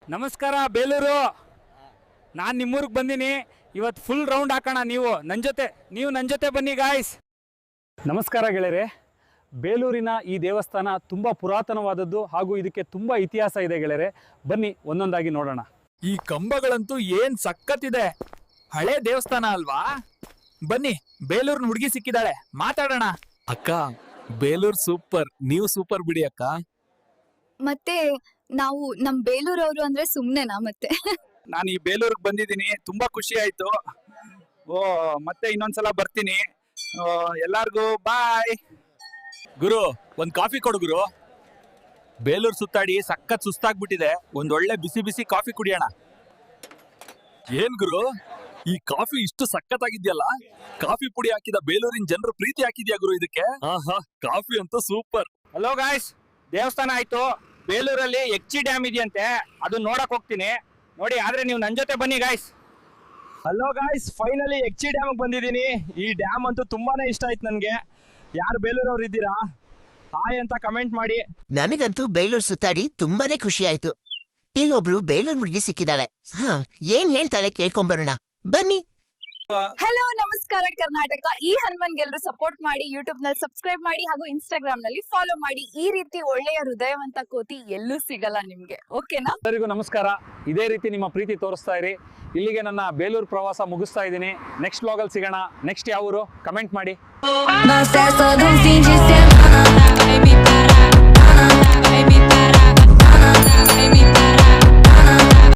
ನಮಸ್ಕಾರ ಬೇಲೂರು. ನಾನು ನಿಮ್ಮೂರಿಗೆ ಬಂದೀನಿ. ಇವತ್ತು ಫುಲ್ ರೌಂಡ್ ಹಾಕೋಣ. ನೀವು ನನ್ನ ಜೊತೆ ಬನ್ನಿ ಗಾಯ್ಸ್. ನಮಸ್ಕಾರ ಗೆಳೆಯರೆ. ಬೇಲೂರಿನ ಈ ದೇವಸ್ಥಾನ ತುಂಬ ಪುರಾತನವಾದದ್ದು ಹಾಗೂ ಇದಕ್ಕೆ ತುಂಬ ಇತಿಹಾಸ ಇದೆ ಗೆಳೆಯರೆ. ಬನ್ನಿ ಒಂದೊಂದಾಗಿ ನೋಡೋಣ. ಈ ಕಂಬಗಳಂತೂ ಏನ್ ಸಖತ್ತಿದೆ. ಹಳೆ ದೇವಸ್ಥಾನ ಅಲ್ವಾ? ಬನ್ನಿ, ಬೇಲೂರಿನ ಹುಡುಗಿ ಸಿಕ್ಕಿದಾಳೆ, ಮಾತಾಡೋಣ. ಅಕ್ಕ, ಬೇಲೂರ್ ಸೂಪರ್, ನೀವು ಸೂಪರ್ ಬಿಡಿ ಅಕ್ಕ. ಮತ್ತೆ ನಾವು ನಮ್ ಬೇಲೂರವ್ರು ಅಂದ್ರೆ ಸುಮ್ನೆನಾ ಮತ್ತೆ? ನಾನು ಈ ಬೇಲೂರಿಗೆ ಬಂದಿದ್ದೀನಿ, ತುಂಬಾ ಖುಷಿ ಆಯ್ತು. ಮತ್ತೆ ಇನ್ನೊಂದ್ಸಲ ಬರ್ತೀನಿ. ಎಲ್ಲಾರ್ಗೂ ಬಾಯ್. ಗುರು, ಒಂದ್ ಕಾಫಿ ಕೊಡು ಗುರು. ಬೇಲೂರ್ ಸುತ್ತಾಡಿ ಸಖತ್ ಸುಸ್ತಾಗ್ಬಿಟ್ಟಿದೆ, ಒಂದ್ ಒಳ್ಳೆ ಬಿಸಿ ಬಿಸಿ ಕಾಫಿ ಕುಡಿಯೋಣ. ಏನ್ ಗುರು, ಈ ಕಾಫಿ ಇಷ್ಟು ಸಖತ್ತಾಗಿದ್ಯಲ್ಲ? ಕಾಫಿ ಪುಡಿ ಹಾಕಿದ ಬೇಲೂರಿನ ಜನರು ಪ್ರೀತಿ ಹಾಕಿದ್ಯಾ ಗುರು ಇದಕ್ಕೆ? ಆಹಾ, ಕಾಫಿ ಅಂತೂ ಸೂಪರ್. ಹಲೋ ಗಾಯ್ಸ್, ದೇವಸ್ಥಾನ ಆಯ್ತು. ಬೇಲೂರಲ್ಲಿ ಎಕ್ಚಿ ಡ್ಯಾಮ್ ಇದೆಯಂತೆ, ಅದು ನೋಡಕ್ ಹೋಗ್ತೀನಿ. ನೋಡಿ, ಆದ್ರೆ ನೀವು ನನ್ನ ಜೊತೆ ಬನ್ನಿ ಗಾಯ್ಸ್. ಹಲೋ ಗಾಯ್ಸ್, ಫೈನಲಿ ಎಕ್ಚಿ ಡ್ಯಾಮ್ ಬಂದಿದ್ದೀನಿ. ಈ ಡ್ಯಾಮ್ ಅಂತೂ ತುಂಬಾನೇ ಇಷ್ಟ ಆಯ್ತು ನನ್ಗೆ. ಯಾರು ಬೇಲೂರವ್ರು ಇದ್ದೀರಾ, ಹಾಯ್ ಅಂತ ಕಮೆಂಟ್ ಮಾಡಿ. ನನಗಂತೂ ಬೇಲೂರು ಸುತ್ತಾಡಿ ತುಂಬಾನೇ ಖುಷಿ ಆಯ್ತು. ಇಲ್ಲೊಬ್ಳು ಬೇಲೂರು ಹುಡುಗಿ ಸಿಕ್ಕಿದ್ದಾಳೆ. ಏನ್ ಹೇಳ್ತಾಳೆ ಕೇಳ್ಕೊಂಬರೋಣ ಬನ್ನಿ. ಹಲೋ, ನಮಸ್ಕಾರ ಕರ್ನಾಟಕ. ಈ ಹನುಮನ್ಗೆಲ್ರು ಸಪೋರ್ಟ್ ಮಾಡಿ, ಯೂಟ್ಯೂಬ್ ನಲ್ಲಿ ಸಬ್ಸ್ಕ್ರೈಬ್ ಮಾಡಿ ಹಾಗೂ ಇನ್ಸ್ಟಾಗ್ರಾಮ್ ನಲ್ಲಿ ಫಾಲೋ ಮಾಡಿ. ಈ ರೀತಿ ಒಳ್ಳೆಯ ಹೃದಯವಂತ ಕೋತಿ ಎಲ್ಲೂ ಸಿಗಲ್ಲ ನಿಮ್ಗೆ, ಓಕೆನಾ? ಎಲ್ಲರಿಗೂ ನಮಸ್ಕಾರ. ಇದೇ ರೀತಿ ನಿಮ್ಮ ಪ್ರೀತಿ ತೋರಿಸ್ತಾ ಇರಿ. ಇಲ್ಲಿಗೆ ನನ್ನ ಬೇಲೂರು ಪ್ರವಾಸ ಮುಗಿಸ್ತಾ ಇದ್ದೀನಿ. ನೆಕ್ಸ್ಟ್ ವ್ಲಾಗಲ್ಲಿ ಸಿಗೋಣ. ನೆಕ್ಸ್ಟ್ ಯಾವ ಊರು ಕಮೆಂಟ್ ಮಾಡಿ.